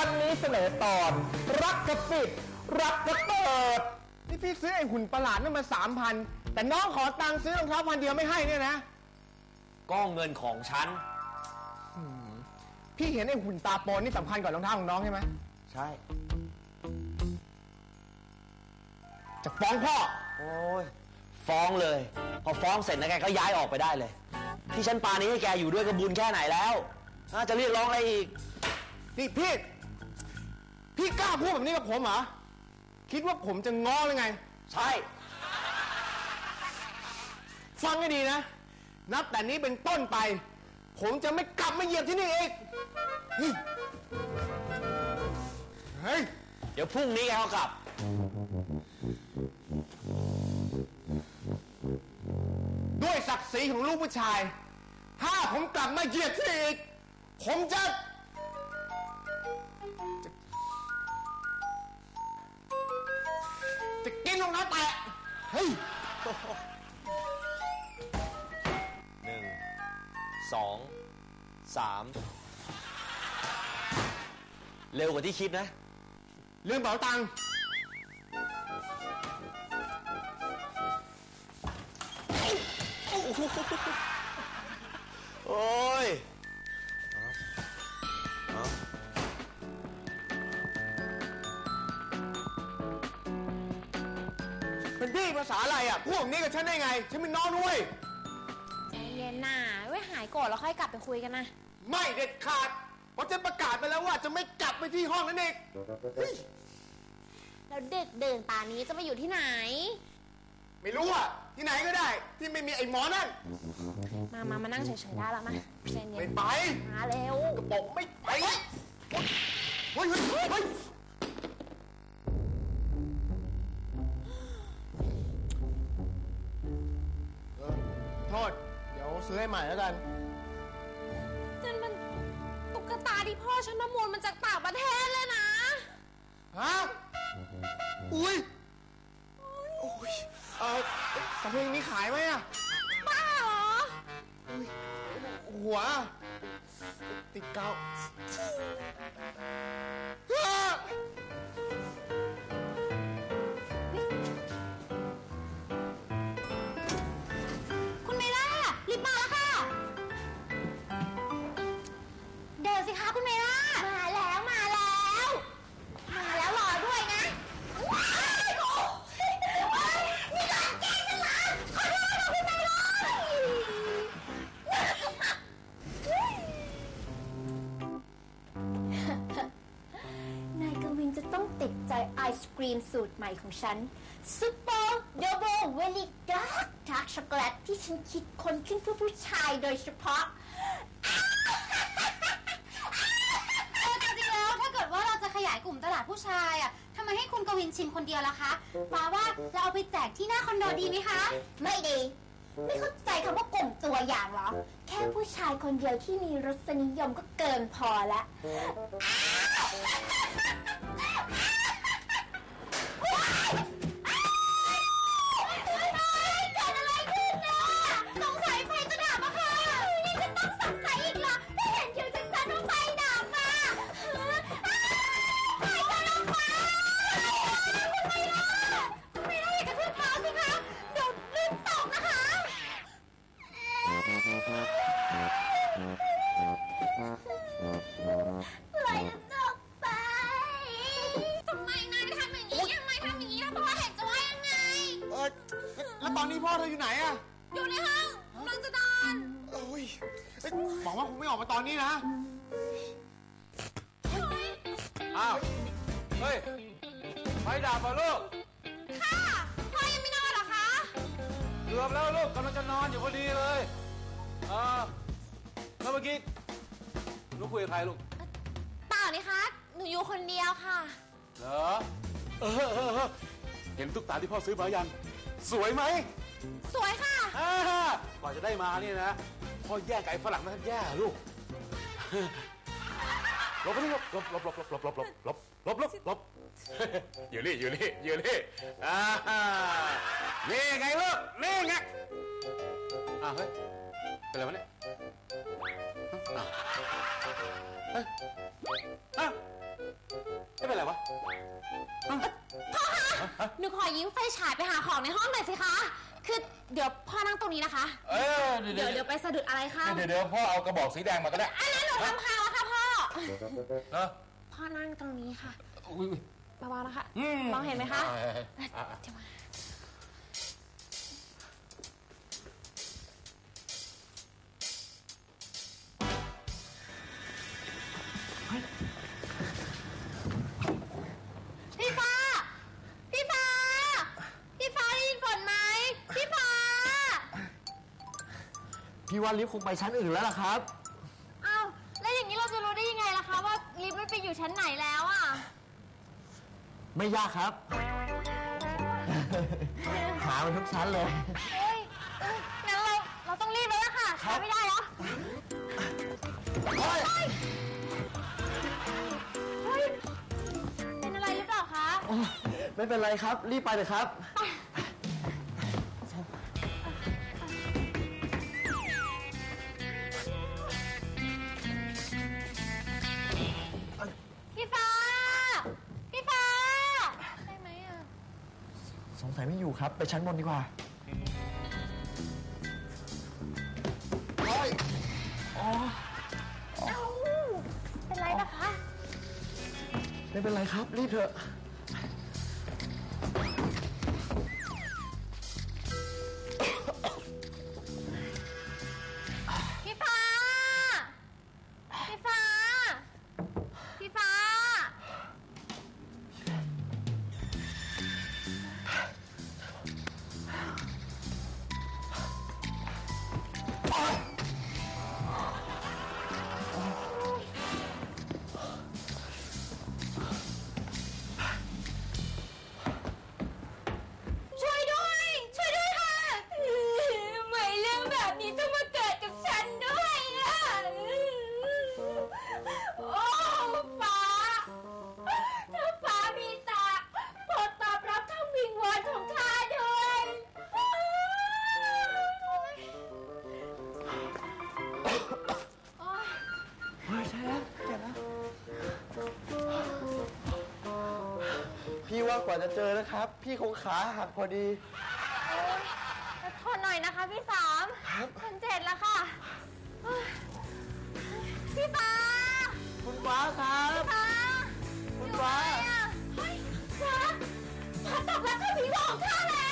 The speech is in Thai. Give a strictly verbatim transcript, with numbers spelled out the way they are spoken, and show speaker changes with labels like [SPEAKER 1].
[SPEAKER 1] วันนี้เสนอตอนรักกระปิดรักกระเปิด
[SPEAKER 2] นี่พี่ซื้อไอ้หุ่นประหลาดนั่นมาสามพันแต่น้องขอตังค์ซื้อรองเท้าพันเดียวไม่ให้เนี่ยนะ
[SPEAKER 3] ก็เงินของฉัน
[SPEAKER 2] พี่เห็นไอ้หุ่นตาโปนนี่สำคัญกว่ารองเท้าของน้องใช่ไหม
[SPEAKER 3] ใช่
[SPEAKER 2] จะฟ้องพ่อ
[SPEAKER 3] โอ้ยฟ้องเลยพอฟ้องเสร็จนะแกก็ย้ายออกไปได้เลยที่ฉันปานี้ให้แกอยู่ด้วยก็บุญแค่ไหนแล้วน่าจะเรียกร้องอะไรอีก
[SPEAKER 2] นี่พี่พี่กล้าพูดแบบนี้กับผมเหรอคิดว่าผมจะง้อหรือไง
[SPEAKER 3] ใช่
[SPEAKER 2] ฟังให้ดีนะนับแต่นี้เป็นต้นไปผมจะไม่กลับมาเหยียบที่นี่อีกเฮ้ย
[SPEAKER 3] เดี๋ยวพรุ่งนี้แกก็กลับ
[SPEAKER 2] ด้วยศักดิ์ศรีของลูกผู้ชายถ้าผมกลับมาเหยียบที่นี่อีกผมจะจะกินลงน้ำแตะเฮ้ย
[SPEAKER 3] หนึ่งสองสามเร็วกว่าที่คิดนะ
[SPEAKER 2] ลืมเป๋าตังค์
[SPEAKER 3] โอ้ย
[SPEAKER 2] เป็นพี่ภาษาอะไรอ่ะพวกนี้กับฉันได้ไงฉันเป็นน้องด้วย
[SPEAKER 4] ใจเย็นน่ะไว้หายโกรธแล้วค่อยกลับไปคุยกันนะ
[SPEAKER 2] ไม่เด็ดขาดเพราะฉันประกาศไปแล้วว่าจะไม่กลับไปที่ห้องนั่นเอง
[SPEAKER 4] แล้วเด็กเดินป่านี้จะไปอยู่ที่ไหน
[SPEAKER 2] ไม่รู้อ่ะที่ไหนก็ได้ที่ไม่มีไอ้หมอนั่น
[SPEAKER 4] มามามานั่งเฉยๆได้แล้วมาใจเย็น
[SPEAKER 2] ไม่ไป
[SPEAKER 4] มาเร็ว
[SPEAKER 2] กระบอกไม่ไปเฮ้ยเฮ้ยเฮ้ยโทษเดี๋ยวซื้อให้ใหม่แล้วกัน
[SPEAKER 4] นั่นมันตุ๊กตาที่พ่อฉันประมูลมาจากต่างประเทศเลยนะ
[SPEAKER 2] ฮะอุ้ยโอ้ยเออแต่เพลงนี้ขายไหมอะ
[SPEAKER 4] บ้าเหรอ
[SPEAKER 2] หัวติดเกา
[SPEAKER 4] คุณเมล่ารีบมาแล้วค่ะเดินสิคะคุณเมล่ามาแล้วมาแล้วมาแล้วรอด้วยนะว้ายโอ้ยนี่ร้านแกงฉันเหรอขอโทษนะคุณเมล่านายกวินจะต้องติดใจไอศกรีมสูตรใหม่ของฉันซุปเปอร์ดับเบิลเวลิดาร์กดาร์กช็อกโกแลตที่ฉันคิดค้นขึ้นเพื่อผู้ชายโดยเฉพาะ
[SPEAKER 5] จริงๆแล้วถ้าเกิดว่าเราจะขยายกลุ่มตลาดผู้ชายอ่ะทำไมให้คุณกวินชิมคนเดียวล่ะคะฟ้าว่าเราเอาไปแจกที่หน้าคอนโดดีไหมคะ
[SPEAKER 4] ไม่ดีไม่เข้าใจคำว่ากลุ่มตัวอย่างเหรอแค่ผู้ชายคนเดียวที่มีรสนิยมก็เกินพอแล้วเกิดอะไรขึ้นเนี่ยสงสัยไฟจะดับอะค่ะนี่จะต้องสงสัยอีกเหรอได้เห็นคิวชัดๆว่าไฟดับอะไฟจะลงมาคุณไม่รอดคุณไม่รอดอย่ากระทืบเท้าสิคะเดี๋ยวลื่นตกนะคะปล่อยจบไปทำไมนายทำอย่างนี้ทำไมทำอย่างนี้ถ้าพ่อเห็นจะว่ายังไง
[SPEAKER 2] เออแล้วตอนนี้พ่อเธออยู่ไหนอะ
[SPEAKER 4] อยู่ในห้องกำลังจะนอน
[SPEAKER 2] โอ้ยบอกว่าคงไม่ออกมาตอนนี้นะ
[SPEAKER 3] อ้าวเฮ้ยไฟดับป่ะลูก
[SPEAKER 4] ค่ะพ่อยังไม่นอนเหรอคะ
[SPEAKER 3] เกือบแล้วลูกกำลังจะนอนอยู่พอดีเลยเออแล้วเมื่อกี้ลูกคุยกับใครลูก
[SPEAKER 4] เปล่านี่คะหนูอยู่คนเดียวค่ะ
[SPEAKER 3] เหรอเออเห็นตุ๊กตาที่พ่อซื้อมายังสวยไหม
[SPEAKER 4] สวยค่ะ
[SPEAKER 3] กว่าจะได้มานี่นะพ่อแย่งไก่ฝรั่งมาแย่ลูกหลบไปหลบหลบหลบหลบหลบหลบหลบหลบหลบหลบหลบอยู่นี่อยู่นี่อยู่นี่อ่านี่ไงลูกนี่ไงอ่าเฮ้ยเป็นอะไรวะเนี่ยเฮ้ยอ่ะ
[SPEAKER 5] ยืมไฟฉายไปหาของในห้องหน่อยสิคะ คือเดี๋ยวพ่อนั่งตรงนี้นะคะ
[SPEAKER 3] เออ
[SPEAKER 5] เดี๋ยวเดี๋ยวไปสะดุดอะไรคะ
[SPEAKER 3] เดี๋ยวเดี๋ยวพ่อเอากระบอกสีแดงมาก็ได้
[SPEAKER 5] อันนั้นหนูทำพังแล้วค่ะพ่อ
[SPEAKER 3] เนาะ
[SPEAKER 5] พ่อนั่งตรงนี้ค่ะ
[SPEAKER 3] อุ้ย
[SPEAKER 5] เบาๆนะคะมองเห็นไหมคะเดี๋ยวมาพี่ฟ้า พี่ฟ้า พี่ฟ้าได้ยินฝนไหมพี่ฟ้า
[SPEAKER 1] พี่ว่าลิฟต์คงไปชั้นอื่นแล้วล่ะครับ
[SPEAKER 5] อ้าวแล้วอย่างนี้เราจะรู้ได้ยังไงล่ะคะว่าลิฟต์มันไปอยู่ชั้นไหนแล้วอ่ะ
[SPEAKER 1] ไม่ยากครับ หามันทุกชั้นเลย
[SPEAKER 5] เฮ้ยงั้นเราเราต้องรีบแล้วล่ะค่ะช้าไม่ได้แล้วเฮ้ยเฮ้ยเป็นอะไรหรือเปล่าคะ
[SPEAKER 1] ไม่เป็นไรครับ รีบไปเลยครับ
[SPEAKER 5] พี่ฟ้า พี่ฟ้าได้ไหมอ่ะ
[SPEAKER 1] สงสัยไม่อยู่ครับ ไปชั้นบนดีกว่าโอ้ยอ๋อ
[SPEAKER 5] เอ้าเป็นไรนะคะ
[SPEAKER 1] ไม่เป็นไรครับ รีบเถอะ
[SPEAKER 5] พี่ฟ้า พี่ฟ้า พี่ฟ้า ช่วยด้วย ช่วยด้วยค่ะทำไมเรื่องแบบนี้ต้องมาเกิดกับฉันด้วยอ่ะโอ้ฟ้า ถ้าฟ้ามีตาโปรดตอบรับคำวิงวอนของข้าด้วยโอ๊ย
[SPEAKER 1] เฮ้ยใช่แล้วเจ็บแล้วพี่ว่ากว่าจะเจอนะครับ พี่คงขาหักพอดี
[SPEAKER 5] โอ๊ยทนหน่อยนะคะพี่สาม
[SPEAKER 1] ครับ
[SPEAKER 5] คนเจ็ดแล้วค่ะโอ๊ยพี่ฟ้า
[SPEAKER 1] คุณฟ้าครับ
[SPEAKER 5] ฟ้า
[SPEAKER 1] คุณฟ้า
[SPEAKER 5] เฮ้ยฟ้าฟ้าตอบรับคำวิงวอนของข้าแล้ว